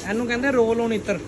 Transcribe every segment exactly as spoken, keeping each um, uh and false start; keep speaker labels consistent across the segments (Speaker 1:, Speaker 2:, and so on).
Speaker 1: ਇਹਨੂੰ ਕਹਿੰਦੇ roll on ਇਤਰ।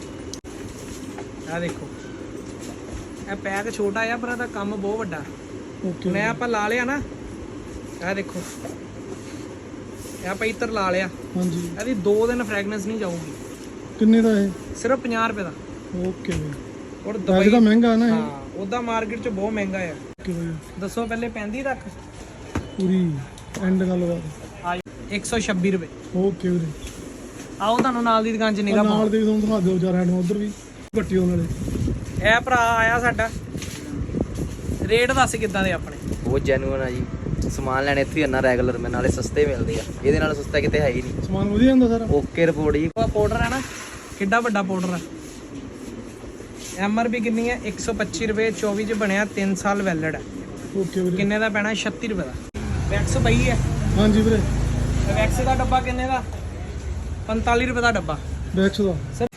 Speaker 1: ਆ ਦੇਖੋ ਇਹ ਪੈਕ ਛੋਟਾ ਆ ਪਰ ਇਹਦਾ ਕੰਮ ਬਹੁਤ ਵੱਡਾ।
Speaker 2: ਓਕੇ
Speaker 1: ਮੈਂ ਆਪਾਂ ਲਾ ਲਿਆ ਨਾ, ਇਹ ਦੇਖੋ ਇਹ ਆਪਾਂ ਇਤਰ ਲਾ ਲਿਆ।
Speaker 2: ਹਾਂਜੀ
Speaker 1: ਇਹਦੀ ਦੋ ਦਿਨ ਫ੍ਰੈਗਨੈਂਸ ਨਹੀਂ ਜਾਊਗੀ।
Speaker 2: ਕਿੰਨੇ ਦਾ ਇਹ?
Speaker 1: ਸਿਰਫ ਪੰਜਾਹ ਰੁਪਏ ਦਾ।
Speaker 2: ਓਕੇ ਬਈ।
Speaker 1: ਔਰ
Speaker 2: ਦੁਬਈ ਦਾ ਮਹਿੰਗਾ ਨਾ ਇਹ?
Speaker 1: ਹਾਂ ਉਹਦਾ ਮਾਰਕੀਟ 'ਚ ਬਹੁਤ ਮਹਿੰਗਾ ਆ।
Speaker 2: ਓਕੇ ਬਈ।
Speaker 1: ਦੱਸੋ ਪਹਿਲੇ ਪੈਂਦੀ ਤੱਕ
Speaker 2: ਪੂਰੀ ਐਂਡ ਗੱਲਬਾਤ।
Speaker 1: ਆ ਇੱਕ ਸੌ ਛੱਬੀ ਰੁਪਏ।
Speaker 2: ਓਕੇ ਵੀਰੇ।
Speaker 1: ਆਓ ਤੁਹਾਨੂੰ ਨਾਲ ਦੀ ਦੁਕਾਨ 'ਚ ਨਿਗਾਹ ਪਾਓ।
Speaker 2: ਨਾਲ ਦੇ ਤੁਹਾਨੂੰ ਦਿਖਾ ਦਿਓ ਚਾਰ ਹੈਂਡ ਉਧਰ ਵੀ ਘੱਟੀ ਉਹਨਾਂ ਵਾਲੇ।
Speaker 1: ਇਹ ਭਰਾ ਆਇਆ ਸਾਡਾ, ਰੇਟ ਦੱਸ ਕਿੱਦਾਂ ਦੇ ਆਪਣੇ?
Speaker 3: ਬਹੁਤ ਜੈਨੂਅਨ ਆ ਜੀ। ਸਮਾਨ ਲੈਣੇ ਇੱਥੇ ਹੀ ਨਾ ਰੈਗੂਲਰ ਮੈਂ, ਨਾਲੇ ਸਸਤੇ ਮਿਲਦੇ ਆ, ਇਹਦੇ ਨਾਲ ਸਸਤਾ ਕਿਤੇ ਹੈ ਹੀ ਨਹੀਂ।
Speaker 2: ਸਮਾਨ ਵਧੀਆ ਹੁੰਦਾ ਸਾਰਾ?
Speaker 3: ਓਕੇ ਰਿਪੋਰਟ ਜੀ।
Speaker 1: ਉਹ ਪਾਊਡਰ ਹੈ ਨਾ, ਕਿੱਡਾ ਵੱਡਾ ਪਾਊਡਰ ਹੈ। ਐਮ ਆਰ ਪੀ ਕਿੰਨੀ ਹੈ? ਇੱਕ ਸੌ ਪੱਚੀ ਰੁਪਏ। ਚੌਵੀ 'ਚ ਬਣਿਆ, ਤਿੰਨ ਸਾਲ ਵੈਲਿਡ ਹੈ।
Speaker 2: ਓਕੇ ਵੀਰੇ।
Speaker 1: ਕਿੰਨੇ ਦਾ ਪੈਣਾ? ਛੱਤੀ ਰੁਪਏ ਦਾ। ਵੈਕਸ ਪਈ ਹੈ?
Speaker 2: ਹਾਂਜੀ ਵੀਰੇ।
Speaker 1: ਵੈਕਸ ਦਾ ਡੱਬਾ ਕਿੰਨੇ ਦਾ? ਪੰਤਾਲੀ ਰੁਪਏ ਦਾ ਡੱਬਾ।
Speaker 2: ਬੈਕਸ ਦਾ
Speaker 1: ਸਰ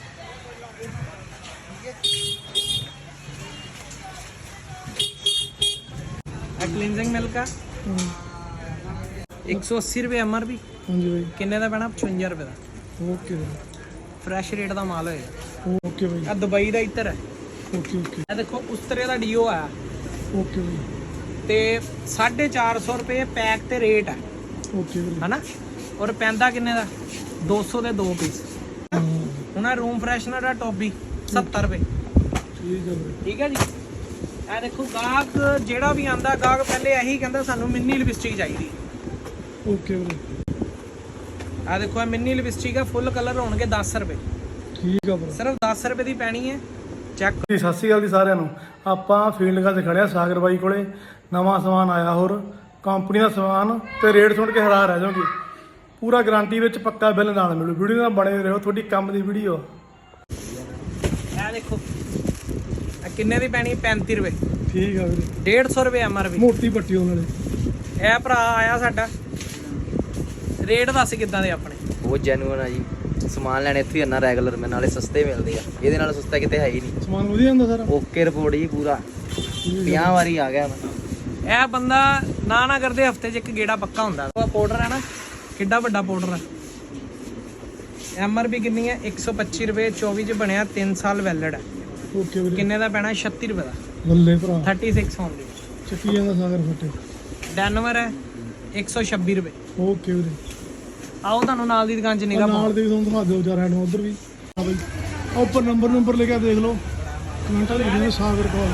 Speaker 1: ਕਲੀਨਜ਼ਿੰਗ ਮਿਲਕ ਆ ਇੱਕ ਸੌ ਅੱਸੀ ਰੁਪਏ ਐਮ ਆਰ ਪੀ।
Speaker 2: ਹਾਂਜੀ ਬਾਈ।
Speaker 1: ਕਿੰਨੇ ਦਾ ਪੈਣਾ? ਪਚਵੰਜਾ ਰੁਪਏ ਦਾ।
Speaker 2: ਓਕੇ ਵੀਰੇ।
Speaker 1: ਫਰੈਸ਼ ਰੇਟ ਦਾ ਮਾਲ ਹੋਏਗਾ।
Speaker 2: ਓਕੇ ਬਾਈ।
Speaker 1: ਆ ਦੁਬਈ ਦਾ ਇੱਧਰ ਹੈ।
Speaker 2: ਓਕੇ ਓਕੇ
Speaker 1: ਇਹ ਦੇਖੋ ਉਸਤਰੇ ਦਾ ਡੀਓ ਆ
Speaker 2: ਓਕੇ ਬਾਈ।
Speaker 1: ਤੇ ਸਾਢੇ ਚਾਰ ਸੌ ਰੁਪਏ ਪੈਕ ਤੇ ਰੇਟ ਹੈ
Speaker 2: ਓਕੇ ਵੀਰੇ।
Speaker 1: ਹਨਾ। ਔਰ ਪੈਂਦਾ ਕਿੰਨੇ ਦਾ? ਦੋ ਸੌ ਦੇ ਦੋ ਪੀਸ।
Speaker 2: ਹਾਂ
Speaker 1: ਹੁਣ ਆ ਰੂਮ ਫਰੈਸ਼ਨਰ ਦਾ ਟੋਪੀ ਸੱਤਰ ਰੁਪਏ।
Speaker 2: ਠੀਕ ਹੈ ਵੀਰੇ।
Speaker 1: ਠੀਕ ਹੈ ਜੀ। ਇਹ ਦੇਖੋ ਗਾਹਕ ਜਿਹੜਾ ਵੀ ਆਂਦਾ, ਗਾਹਕ ਪਹਿਲੇ ਇਹੀ ਕਹਿੰਦਾ ਸਾਨੂੰ ਮਿੰਨੀ ਲਿਪਸਟਿਕ ਚਾਹੀਦੀ।
Speaker 2: ਓਕੇ ਵੀਰੇ।
Speaker 1: ਆ ਦੇਖੋ ਇਹ ਮਿੰਨੀ ਲਿਪਸਟਿਕ ਆ, ਫੁੱਲ ਕਲਰ ਹੋਣਗੇ ਦਸ ਰੁਪਏ।
Speaker 2: ਠੀਕ ਆ ਵੀਰੇ।
Speaker 1: ਸਿਰਫ ਦਸ ਰੁਪਏ ਦੀ ਪੈਣੀ ਹੈ। ਚੈੱਕ
Speaker 2: ਜੀ ਸਤਿ ਸ਼੍ਰੀ ਅਕਾਲ ਜੀ ਸਾਰਿਆਂ ਨੂੰ। ਆਪਾਂ ਫੀਲਡ ਤੇ ਖੜਿਆ ਸਾਗਰ ਬਾਈ ਕੋਲੇ। ਨਵਾਂ ਸਮਾਨ ਆਇਆ, ਹੋਰ ਕੰਪਨੀ ਦਾ ਸਮਾਨ ਤੇ ਰੇਟ ਸੁਣ ਕੇ ਹੈਰਾਨ ਰਹਿ ਜਾਓਗੇ। ਪੂਰਾ ਗਾਰੰਟੀ ਵਿੱਚ ਪੱਕਾ ਬਿੱਲ ਨਾਲ ਮਿਲੂ। ਵੀਡੀਓ ਨਾਲ ਬਣੇ ਰਹੋ, ਤੁਹਾਡੀ ਕੰਮ ਦੀ ਵੀਡੀਓ।
Speaker 1: ਇਹ ਦੇਖੋ ਇਹ ਕਿੰਨੇ ਦੀ ਪੈਣੀ? ਪੈਂਤੀ ਰੁਪਏ।
Speaker 2: ਠੀਕ ਆ ਵੀਰੇ।
Speaker 1: ਡੇਢ ਸੌ ਰੁਪਏ ਐਮ ਆਰ ਪੀ।
Speaker 2: ਮੋਟੀ ਪੱਟੀ ਉਹਨਾਂ ਵਾਲੇ।
Speaker 1: ਇਹ ਭਰਾ ਆਇਆ ਸਾਡਾ, ਰੇਟ ਦੱਸ ਕਿੱਦਾਂ ਦੇ ਆਪਣੇ?
Speaker 3: ਬਹੁਤ ਜੈਨੂਅਨ ਆ ਜੀ। ਸਮਾਨ ਲੈਣੇ ਇੱਥੇ ਹੀ ਨਾ ਰੈਗੂਲਰ ਮੈਂ, ਨਾਲੇ ਸਸਤੇ ਮਿਲਦੇ ਆ, ਇਹਦੇ ਨਾਲ ਸਸਤਾ ਕਿਤੇ ਹੈ ਹੀ ਨਹੀਂ।
Speaker 2: ਸਮਾਨ ਵਧੀਆ ਹੁੰਦਾ ਸਾਰਾ?
Speaker 3: ਓਕੇ ਰਿਪੋਰਟ ਜੀ ਪੂਰਾ। ਪੰਜਾਹ ਵਾਰੀ ਆ ਗਿਆ ਮੈਂ।
Speaker 1: ਇਹ ਬੰਦਾ ਨਾ ਨਾ ਕਰਦੇ ਹਫਤੇ 'ਚ ਇੱਕ ਗੇੜਾ ਪੱਕਾ ਹੁੰਦਾ। ਉਹ ਪਾਊਡਰ ਹੈ ਨਾ, ਕਿੱਡਾ ਵੱਡਾ ਪਾਊਡਰ ਹੈ। ਐਮ ਆਰ ਪੀ ਕਿੰਨੀ ਹੈ? ਇੱਕ ਸੌ ਪੱਚੀ ਰੁਪਏ। ਚੌਵੀ 'ਚ ਬਣਿਆ, ਤਿੰਨ ਸਾਲ ਵੈਲਿਡ ਹੈ।
Speaker 2: ਓਕੇ ਵੀਰੇ।
Speaker 1: ਕਿੰਨੇ ਦਾ ਪੈਣਾ? ਛੱਤੀ ਰੁਪਏ ਦਾ।
Speaker 2: ਬੱਲੇ ਭਰਾ।
Speaker 1: Thirty six only.
Speaker 2: ਚੱਕੀ ਜਾਂਦਾ ਸਾਗਰ ਫੱਟੇ।
Speaker 1: ਡੈਨਵਰ ਹੈ ਇੱਕ ਸੌ ਛੱਬੀ ਰੁਪਏ।
Speaker 2: ਓਕੇ ਵੀਰੇ।
Speaker 1: ਆਓ ਤੁਹਾਨੂੰ ਨਾਲ ਦੀ ਦੁਕਾਨ 'ਚ ਨਿਗਾਹ ਪਾਓ।
Speaker 2: ਨਾਲ ਦੇ ਤੁਹਾਨੂੰ ਦਿਖਾ ਦਿਓ ਚਾਰ ਹੈਂਡ ਉਧਰ ਵੀ। ਹਾਂ ਬਾਈ ਆਹ ਉੱਪਰ ਨੰਬਰ ਨੰਬਰ ਲਿਖਿਆ ਦੇਖ ਲਓ, ਕਮੈਂਟਾਂ ਲਿਖ ਦਿਓ ਸਾਗਰ ਕੋਲ।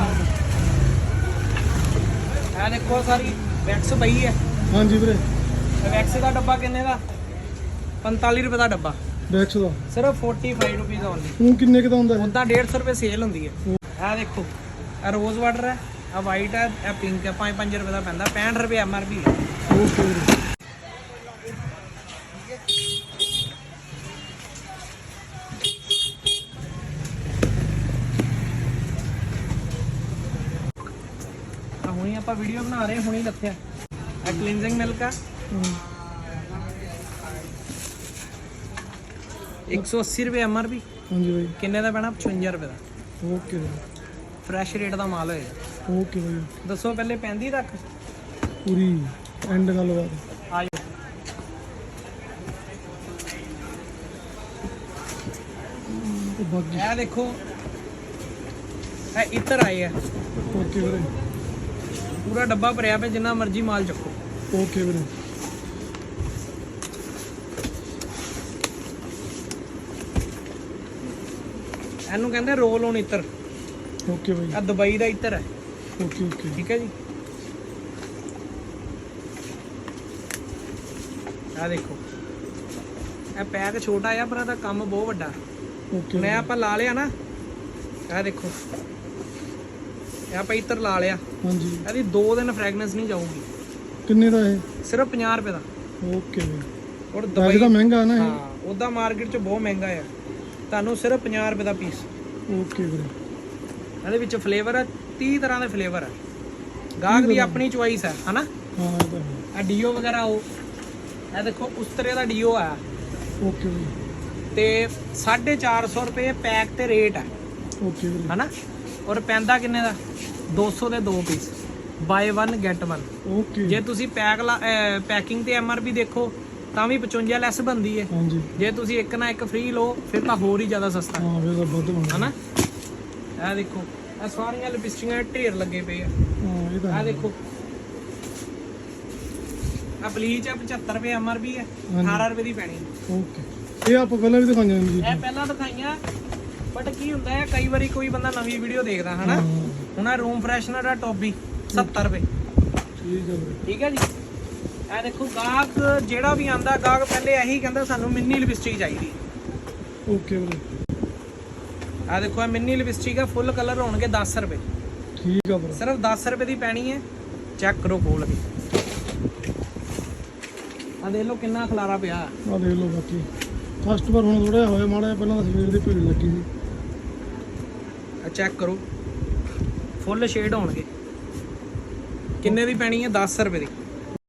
Speaker 1: ਇਹ ਦੇਖੋ ਸਾਰੀ ਵੈਕਸ ਪਈ ਹੈ।
Speaker 2: ਹਾਂਜੀ ਵੀਰੇ।
Speaker 1: ਵੈਕਸ ਦਾ ਡੱਬਾ ਕਿੰਨੇ ਦਾ? ਪੰਤਾਲੀ ਰੁਪਏ ਦਾ ਡੱਬਾ।
Speaker 2: ਬੈਕਸ ਦਾ
Speaker 1: ਸਿਰਫ ਪੈਂਤਾਲੀ ਰੁਪਏ ਓਨਲੀ।
Speaker 2: ਉਹ ਕਿੰਨੇ ਕੁ ਦਾ ਹੁੰਦਾ ਹੈ?
Speaker 1: ਉਦਾਂ ਡੇਢ ਸੌ ਰੁਪਏ ਸੇਲ ਹੁੰਦੀ ਹੈ। ਇਹ ਦੇਖੋ ਇਹ ਰੋਜ਼ ਵਾਟਰ ਹੈ, ਇਹ ਵਾਈਟ ਹੈ, ਇਹ ਪਿੰਕ ਹੈ। ਪੰਜ ਪੰਜ ਰੁਪਏ ਦਾ ਪੈਂਦਾ। ਪੈਂਹਠ ਰੁਪਏ ਐਮ ਆਰ ਪੀ ਹੈ।
Speaker 2: ਓਕੇ ਵੀਰੇ।
Speaker 1: ਆ ਹੁਣੀ ਆਪਾਂ ਵੀਡੀਓ ਬਣਾ ਰਹੇ, ਹੁਣੀ ਰੱਖਿਆ। ਇਹ ਕਲੀਨਜ਼ਿੰਗ ਮਿਲਕ ਆ ਇੱਕ ਸੌ ਅੱਸੀ ਰੁਪਏ ਐਮ ਆਰ ਪੀ।
Speaker 2: ਹਾਂਜੀ ਬਾਈ।
Speaker 1: ਕਿੰਨੇ ਦਾ ਪੈਣਾ? ਪਚਵੰਜਾ ਰੁਪਏ ਦਾ।
Speaker 2: ਓਕੇ ਵੀਰੇ।
Speaker 1: ਫਰੈਸ਼ ਰੇਟ ਦਾ ਮਾਲ ਹੋਏਗਾ।
Speaker 2: ਓਕੇ ਬਾਈ।
Speaker 1: ਦੱਸੋ ਪਹਿਲੇ ਪੈਂਦੀ ਤੱਕ
Speaker 2: ਪੂਰੀ ਐਂਡ ਗੱਲਬਾਤ।
Speaker 1: ਆ ਜਾਓ।
Speaker 2: ਤੇ ਬਾਕੀ
Speaker 1: ਇਹ ਦੇਖੋ ਇਹ ਇੱਧਰ ਆਏ ਆ,
Speaker 2: ਓਕੇ ਵੀਰੇ।
Speaker 1: ਪੂਰਾ ਡੱਬਾ ਭਰਿਆ ਪਿਆ, ਜਿੰਨਾ ਮਰਜ਼ੀ ਮਾਲ ਚੱਕੋ।
Speaker 2: ਓਕੇ ਵੀਰੇ।
Speaker 1: ਇਹਨੂੰ ਕਹਿੰਦੇ ਰੋਲ ਔਨ ਇਤਰ।
Speaker 2: ਓਕੇ ਬਾਈ।
Speaker 1: ਆ ਦੁਬਈ ਦਾ ਇੱਧਰ ਹੈ।
Speaker 2: Okay okay.
Speaker 1: ਠੀਕ ਹੈ ਜੀ। ਆ ਦੇਖੋ ਇਹ ਪੈਕ ਛੋਟਾ ਆ ਪਰ ਇਹਦਾ ਕੰਮ ਬਹੁਤ ਵੱਡਾ।
Speaker 2: ਓਕੇ
Speaker 1: ਮੈਂ ਆਪਾਂ ਲਾ ਲਿਆ ਨਾ, ਇਹ ਦੇਖੋ ਇਹ ਆਪਾਂ ਇੱਧਰ ਲਾ ਲਿਆ।
Speaker 2: ਹਾਂਜੀ।
Speaker 1: ਇਹਦੀ ਦੋ ਦਿਨ ਫ੍ਰੈਗਨੈਂਸ ਨਹੀਂ ਜਾਊਗੀ।
Speaker 2: ਕਿੰਨੇ ਦਾ ਇਹ?
Speaker 1: ਸਿਰਫ ਪੰਜਾਹ ਰੁਪਏ ਦਾ।
Speaker 2: ਓਕੇ ਬਾਈ।
Speaker 1: ਔਰ
Speaker 2: ਦੁਬਈ
Speaker 1: ਦੁਬਈ
Speaker 2: ਦਾ ਮਹਿੰਗਾ ਨਾ ਇਹ?
Speaker 1: ਹਾਂ ਉਹਦਾ ਮਾਰਕੀਟ 'ਚ ਬਹੁਤ ਮਹਿੰਗਾ ਆ। ਤੁਹਾਨੂੰ ਸਿਰਫ ਪੰਜਾਹ ਰੁਪਏ ਦਾ ਪੀਸ।
Speaker 2: ਓਕੇ ਵੀਰੇ।
Speaker 1: ਇਹਦੇ ਵਿੱਚ ਫਲੇਵਰ ਹੈ, ਤੀਹ ਤਰ੍ਹਾਂ ਦੇ ਫਲੇਵਰ ਹੈ। ਗਾਹਕ ਦੀ ਆਪਣੀ ਚੁਆਇਸ ਹੈ ਹਨਾ।
Speaker 2: ਹਾਂ ਇਹ ਤਾਂ ਹੈ।
Speaker 1: ਆ ਡੀਓ ਵਗੈਰਾ ਉਹ ਇਹ ਦੇਖੋ ਉਸਤਰੇ ਦਾ ਡੀਓ ਆ
Speaker 2: ਓਕੇ ਵੀਰੇ।
Speaker 1: ਤੇ ਸਾਢੇ ਚਾਰ ਸੌ ਰੁਪਏ ਪੈਕ ਤੇ ਰੇਟ ਹੈ
Speaker 2: ਓਕੇ ਵੀਰੇ।
Speaker 1: ਹਨਾ। ਔਰ ਪੈਂਦਾ ਕਿੰਨੇ ਦਾ? ਦੋ ਸੌ ਦੇ ਦੋ piece. Buy one get one.
Speaker 2: Okay.
Speaker 1: ਜੇ ਤੁਸੀਂ ਪੈਕ ਪੈਕਿੰਗ ਤੇ ਐਮ ਆਰ ਪੀ ਦੇਖੋ ਤਾਂ ਵੀ ਪਚਵੰਜਾ ਲੈਸ ਬਣਦੀ ਹੈ।
Speaker 2: ਹਾਂਜੀ
Speaker 1: ਜੇ ਤੁਸੀਂ ਇੱਕ ਨਾ ਇੱਕ ਫ੍ਰੀ ਲਓ ਫਿਰ ਤਾਂ ਹੋਰ ਹੀ ਜ਼ਿਆਦਾ ਸਸਤਾ
Speaker 2: ਹਾਂ ਫਿਰ ਤਾਂ ਵੱਧ ਬਣਦਾ
Speaker 1: ਹਨਾ। ਇਹ ਦੇਖੋ ਇਹ ਸਾਰੀਆਂ ਲਿਪਸਟਿਕਾਂ ਦੇ ਢੇਰ ਲੱਗੇ ਪਏ ਆ।
Speaker 2: ਹਾਂ ਇਹ ਤਾਂ
Speaker 1: ਆ
Speaker 2: ਹੈ।
Speaker 1: ਦੇਖੋ ਆ ਬਲੀਚ ਆ ਪਚੱਤਰ ਰੁਪਏ ਐਮਆਰਪੀ ਹੈ,
Speaker 2: ਹਾਂਜੀ।
Speaker 1: ਅਠਾਰਾਂ ਰੁਪਏ ਦੀ ਪੈਣੀ ਹੈ।
Speaker 2: ਓਕੇ ਇਹ ਆਪਾਂ ਪਹਿਲਾਂ ਵੀ ਦਿਖਾਈਆਂ ਨੇ ਜੀ
Speaker 1: ਇਹ ਪਹਿਲਾਂ ਦਿਖਾਈਆਂ ਬਟ ਕੀ ਹੁੰਦਾ ਹੈ ਕਈ ਵਾਰੀ ਕੋਈ ਬੰਦਾ ਨਵੀਂ ਵੀਡੀਓ ਦੇਖਦਾ ਹਨਾ। ਹੁਣ ਇਹ ਰੂਮ ਫਰੈਸ਼ਨਰ ਆ ਟੋਬੀ ਸੱਤਰ ਰੁਪਏ।
Speaker 2: ਠੀਕ ਹੈ ਵੀਰੇ
Speaker 1: ਠੀਕ ਹੈ ਜੀ। ਇਹ ਦੇਖੋ ਗਾਹਕ ਜਿਹੜਾ ਵੀ ਆਂਦਾ ਗਾਹਕ ਪਹਿਲੇ ਇਹੀ ਕਹਿੰਦਾ ਸਾਨੂੰ ਮਿੰਨੀ ਲਿਪਸਟਿਕ ਚਾਹੀਦੀ।
Speaker 2: ਓਕੇ ਵੀਰੇ
Speaker 1: ਆ ਦੇਖੋ ਇਹ ਮਿੰਨੀ ਲਿਪਸਟਿਕ ਹੈ, ਫੁੱਲ ਕਲਰ ਹੋਣਗੇ ਦਸ ਰੁਪਏ।
Speaker 2: ਠੀਕ ਆ ਵੀਰੇ
Speaker 1: ਸਿਰਫ ਦਸ ਰੁਪਏ ਦੀ ਪੈਣੀ ਹੈ। ਚੈੱਕ ਕਰੋ ਖੋਲ ਕੇ। ਆ ਦੇਖ ਲਓ ਕਿੰਨਾ ਖਲਾਰਾ ਪਿਆ।
Speaker 2: ਆ ਦੇਖ ਲਓ ਬਾਕੀ ਕਸਟਮਰ ਹੁਣ ਥੋੜਾ ਹੋਇਆ ਮਾੜਾ ਜਿਹਾ, ਪਹਿਲਾਂ ਤਾਂ ਸਵੇਰ ਦੀ ਭੀੜ ਲੱਗੀ ਸੀ।
Speaker 1: ਆ ਚੈੱਕ ਕਰੋ ਫੁੱਲ ਸ਼ੇਡ ਹੋਣਗੇ। ਕਿੰਨੇ ਦੀ ਪੈਣੀ ਹੈ? ਦਸ ਰੁਪਏ ਦੀ।